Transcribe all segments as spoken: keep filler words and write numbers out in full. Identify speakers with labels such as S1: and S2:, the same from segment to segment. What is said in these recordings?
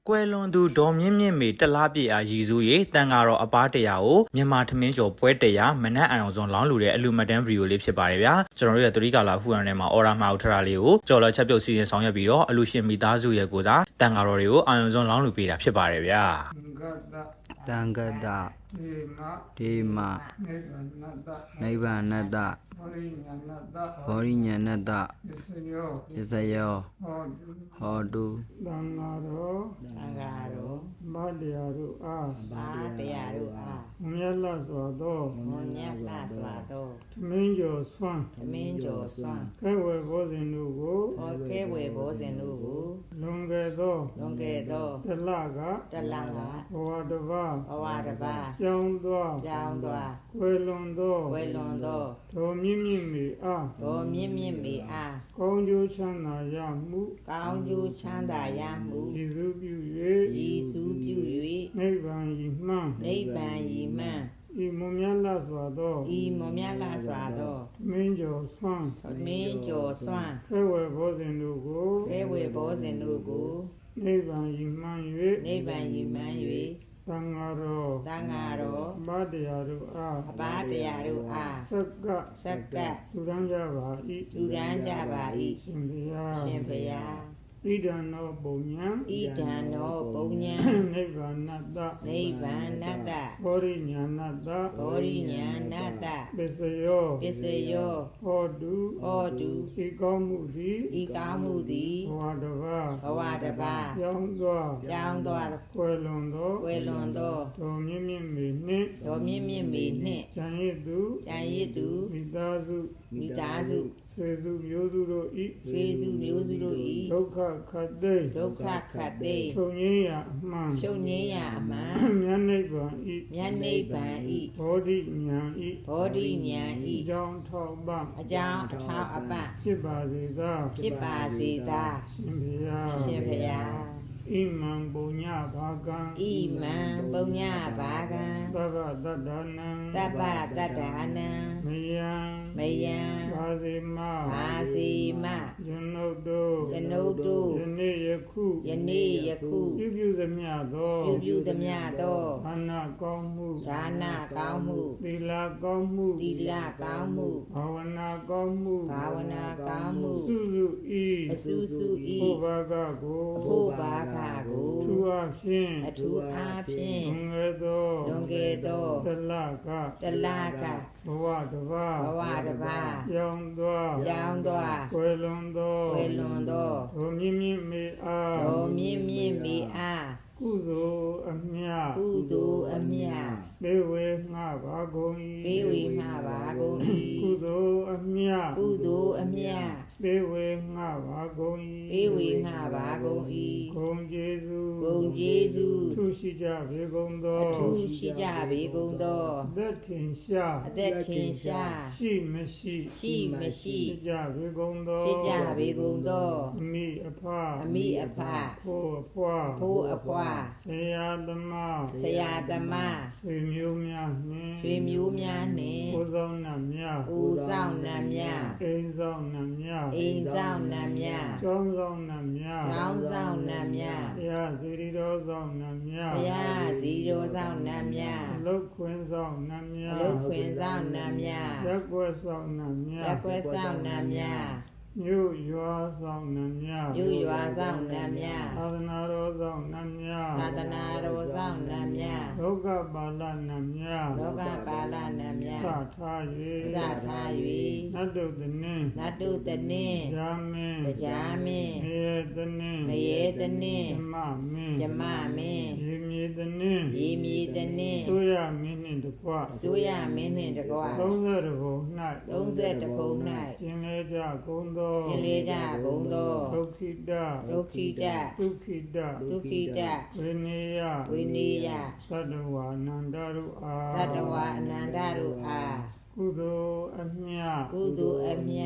S1: ကွယ်လွန်သူဒေါ်မြင့်မြင့်မေတလားပြေအားရည်စူးရေးတန်ဃာတော်အပားတရားကိုမြန်မာထမင်းကျော်ပွဲတရားမနက်အံအောင်စွန်လောင်းလူတဲ့အလူမတန်းဗီဒီယိုလေးဖြစ်ပါတယ်ဗျာကျွန်တော်တို့ရဲ့သတိကာလာဖူရန်ထဲမှာအော်ရာမှာဦးထရာလေးကိုကြော်လော်ချက်ပြုတ်စီစဉ်ဆောင်ရွက်ပြီးတော့အလူရှင်မိသားစုရဲ့ကိုသာတန်ဃာတော်တွေကိုအာရုံစွန်လောင်းလူပေးတာဖြစ်ပါတယ်ဗျာ
S2: တံဂတဒေမနိဗ္ဗာနတဘောရိညာဏတပစ္စယောဟောတု
S3: တန်ဃာတော်
S4: တန်ဃာတော်
S3: ဘာတရားတို့အား
S4: ဘာတရားတို့အား
S3: မြတ်လစွာသော
S4: မွန်မြတ်လာစွာသော
S3: သမင်းကျော်ဆွမ်း
S4: သမင်းကျော်စွမ်း
S3: ခဲဝယ်ဘောဇင်တို့ကို
S4: ဟောခဲဝယ်ဘောဇင်တို့ကို
S3: လွန်ခဲ့သော
S4: လွန်ခဲ့သော
S3: တလက
S4: တလက
S3: ဘဝတပါ
S4: ဘဝတပါ
S3: ကြောင်းသော
S4: ကြောင်းသော
S3: ဝယ်လွန်သော
S4: ဝယ်လွန်သော
S3: ဒေါ်မြင့်မြင့်မေအား
S4: ဒေါ်မြင့်မြင့်မေအား
S3: ကောင်းကျိုးချမ်းသာရမှု
S4: ကောင်းကျိုးချမ်းသာရမှု
S3: ရည်စူးပြု
S4: ၍ရည်စူးပြု
S3: ၍နိဗ္ဗာန်ရည်မှန်း
S4: နိဗ္ဗာန်ရည်မှန်း
S3: ဤမွန်မြတ်လာစွာသော
S4: ဤမွန်မြတ်လာစွာသော
S3: မင်းကျော်ဆွမ်း
S4: မင်းကျော်စွမ်း
S3: ခဲဝယ်ဘောဇင်တို့ကို
S4: ခဲဝယ်ဘောဇင်တို့ကို
S3: နိဗ္ဗာန်ရည်မှန်း
S4: ၍နိဗ္ဗာန်ရည်မှန်း၍
S3: တန်ဃာတော်
S4: တန်ဃာတော်
S3: ဘာတရားတို့အား
S4: အဘာတရားတို့အား
S3: စက္က
S4: စက္က
S3: လူရန်ကြပါ၏
S4: လူရန်ကြပါ၏
S3: ရှင်ဘုရား
S4: ရှင်ဘုရား
S3: ဣဒံနောပုံညာ
S4: ဣဒံနောပုံညာ
S3: နိဗ္ဗာနတ
S4: နိဗ္ဗာနတ
S3: ဘောရိညာဏတ
S4: ဘောရိညာဏတ
S3: ပစ္စယော
S4: ပစ္စယော
S3: ဟောတု
S4: ဟောတု
S3: ဤကောင်းမှုသည်
S4: ဤကောင်းမှုသည်
S3: ဘဝတပါ
S4: ဘဝတပါ
S3: ကြောင်းသော
S4: ကြောင်းသော
S3: ကွယ်လွန်သော
S4: ကွယ်လွန်သော
S3: ဒေါ်မြင့်မြင့်မေနှင့်
S4: ဒေါ်မြင့်မြင့်မေနှင့်
S3: ဉာဏ်ရည်သူ
S4: ဉာဏ်ရည်သူ
S3: မိသားစု
S4: မိသားစု
S3: ဆွေစုမျိုးစုတို့ဤ
S4: ဆွေစုမျိုးစုတို့ဤ
S3: ဒုက္ခခတ်သိ
S4: ဒုက္ခခတ်သိ
S3: ချုပ်ငင်းရာအမှန်
S4: ချုပ်ငင်းရာအမှန်
S3: မြတ်နိဗ္ဗာန်ဤ
S4: မြတ်နိဗ္ဗာန်ဤ
S3: ဘောဓိဉာဏ်ဤ
S4: ဘောဓိဉာဏ်ဤ
S3: အကြောင်းထောက်ပံ့
S4: အကြောင်းအထောက်အပံ့
S3: ဖြစ်ပါစေသာ
S4: ဖြစ်ပါစေသာ
S3: ရှင်ဘုရား
S4: ရှင်ဘုရား
S3: ဣမံပုညဘာကံ
S4: ဣမံပုညဘာကံ
S3: သဗ္ဗတတ္တနံ
S4: သဗ္ဗတတ္တနံ
S3: မယံ
S4: မယံ
S3: ဘာစီမ
S4: ဘာစီမ
S3: ကျွန်ုပ်တို့
S4: ကျွန်ုပ်တို့
S3: ယနေ့ယခု
S4: ယနေ့ယခု
S3: ပြုပြုသမျှသော
S4: ပြုပြုသမျှသော
S3: ဒါနကောင်းမှု
S4: ဒါနကောင်းမှု
S3: သီလကောင်းမှု
S4: သီလကောင်းမှု
S3: ဘာဝနာကောင်းမှု
S4: ဘာဝနာကောင်းမှု
S3: စုစုဤ
S4: အစုစုဤ
S3: ဘုဘာကကို
S4: ဘုဘာကကို
S3: ထူအားဖြင့်
S4: အထူးအားဖြင့်
S3: လွန်ခဲ့သော
S4: လွန်ခဲ့သော
S3: တလက
S4: တလက
S3: ဘဝတပါ
S4: ဘဝတပါ
S3: ရောင်းသော
S4: ရောင်းသော
S3: ကွယ်လွန်သော
S4: ကွယ်လွန်သော
S3: ဒုမြင့်မြင့်မေအား
S4: ဒုမြင့်မြင့်မေအား
S3: ကုသိုလ်အမြတ်
S4: ကုသိုလ်အမြတ်
S3: ပေဝေငှပါကုန်၏
S4: ပေဝေငှပါကုန်၏
S3: ကုသိုလ်အမြတ်
S4: ကုသိုလ်အမြတ်
S3: ပေဝေငှပါကုန်၏
S4: ပေဝေငှပါကုန်၏
S3: ဂုံကျေးဇူး
S4: ဂုံကျေးဇူး
S3: ထူရှိကြပေကုန်သော
S4: အထူးရှိကြပေကုန်သော
S3: အသက်ထင်ရှား
S4: အသက်ထင်ရှား
S3: ရှိမရှိ
S4: ရှိမရှိ
S3: ဖြစ်ကြပေကုန်သော
S4: ဖြစ်ကြပေကုန်သော
S3: အမိအဖ
S4: အမိအဖ
S3: ဖိုးအဖွာ
S4: ဖိုးအဖွာ
S3: ဆရာသမား
S4: ဆရာသမား
S3: ဆွေမျိုးများနှင့်
S4: ဆွေမျိုးများနှင့်
S3: ဦးဆောင်နှံများ
S4: ဦးဆောင်နှံများ
S3: အိမ်ဆောင်နှံများ
S4: အိမ်ဆောင်နှံများ
S3: ကျောင်းဆောင်နှံများ
S4: ကျောင်းဆောင်နှံများ
S3: ဘုရားစီရီတော်ဆောင်နှံများ
S4: ဘုရားစီတော်ဆောင်နှံများ
S3: အလုတ်ခွင်ဆောင်နှံများ
S4: အလုတ်ခွင်ဆောင်နှံများ
S3: ရက်ွယ်ဆောင်နှံများ
S4: ရက်ွယ်ဆောင်နှံများ
S3: မြို့ရွာဆောင်နှံများ
S4: မြို့ရွာဆောင်နှံများ
S3: သာသနာတော်ဆောင်နှံများ
S4: သာသနာတော်ဆောင်နှံများ
S3: လောကပါဠနှံများ
S4: လောကပါဠနှံများ
S3: စထား၍
S4: စထား၍
S3: နတ်တုတနင်း
S4: နတ်တုတနင်း
S3: ဇာမင်း
S4: ဇာမင်း
S3: မယေတနင်း
S4: မယေတနင်း
S3: ယမမင်း
S4: ယမမင်း
S3: ရေမြေတနင်း
S4: ရေမြေတနင်း
S3: ဆိုရမင်းနှင့်တကွ
S4: ဆိုရမင်းနှင့်တကွ
S3: သုံးဆယ်ဘုံ၌
S4: သုံးဆယ်ဘုံ၌
S3: ကျင်လေကြကုန်သော
S4: ကျင်လေကြကုန်သော
S3: ဒုက္ခိတ
S4: ဒုက္ခိတ
S3: ဒုက္ခိတ
S4: ဒုက္ခိတ
S3: ဝိနေယ
S4: ဝိနေယ
S3: သတ္တဝါအနန္တတို့အား
S4: သတ္တဝါအနန္တတို့အား
S3: ကုသိုလ်အမြတ်
S4: ကုသိုလ်အမြတ်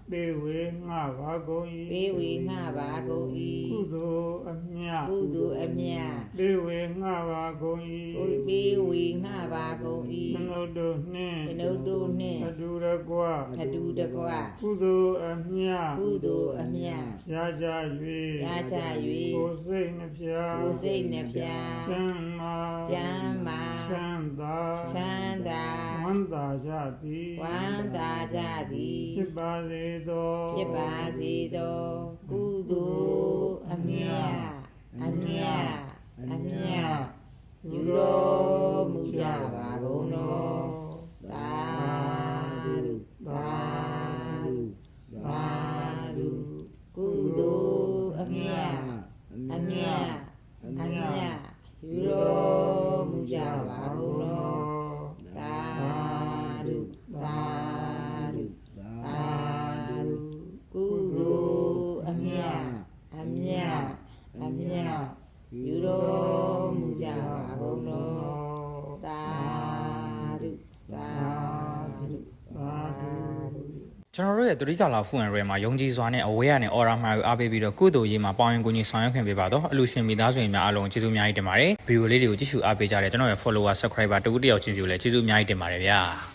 S3: ပေဝေငှပါကုန်၏
S4: ပေးဝေငှပါကုန်
S3: ကု
S4: ၏
S3: သိုလ်အမြတ်
S4: ကုသိုလ်အမြတ်
S3: ပေဝေငှပါကုန်၏
S4: ကိုပေးဝေငှပါကုန်
S3: ကျွန်ုပ်တို့နှင့်
S4: ၏ကျွန်ုပ်တို့နှင့်
S3: အတူတကွ
S4: အတူတကွ
S3: ကုသိုလ်အမြတ်
S4: ကုသိုလ်အမြတ်
S3: ရကြ၍
S4: ရကြ
S3: ကိုယ်စိတ်နှပြ
S4: ၍ကိုယ်စိတ်နှပြ
S3: ချမ်းသာ
S4: ကျမ်းမာ
S3: ချမ်းသာ
S4: ချမ်းသာ
S3: ဝမ်းသာကြသည်
S4: ဝမ်းသာကြသည်
S3: ဖြစ်ပါစေသော
S4: ဖြစ်ပါစေသောကုသိုလ်အမြတ်အမြတ်အမြတ်ယူတော်မူကြပါကုန်တော်သာဓုသာဓုသာဓုကုသိုလ်အမြတ်အမြတ်အမြတ်ယူတော်မူကြပါကုန်တော်သာဓုသာဓုသာဓုကုသိုလ်အမြတ်အမြတ်အမြတ်ယူတော်မူကြပါကုန်တော်သာဓုသာဓုသာဓု
S1: ကျွန်တော်တို့ရဲ့သတိကာလဖူအန်ရဲမှာယုံကြည်စွာနဲ့အဝေးရနဲ့အော်ရာမှာကိုအားပေးပြီးတော့ကုသိုလ်ရေးမှာပေါင်းရင်ကိုကြီးဆောင်ရွက်ခင်ပေးပါတော့အလူရှင်မိသားစုဝင်များအားလုံးကျေးဇူးအများကြီးတင်ပါတယ်ဗီဒီယိုလေးတွေကိုကြည့်ရှုအားပေးကြတဲ့ကျွန်တော်ရဲ့ follower subscriber တူတူတယောက်ချင်းစီကိုလည်းကျေးဇူးအများကြီးတင်ပါတယ်ဗျာ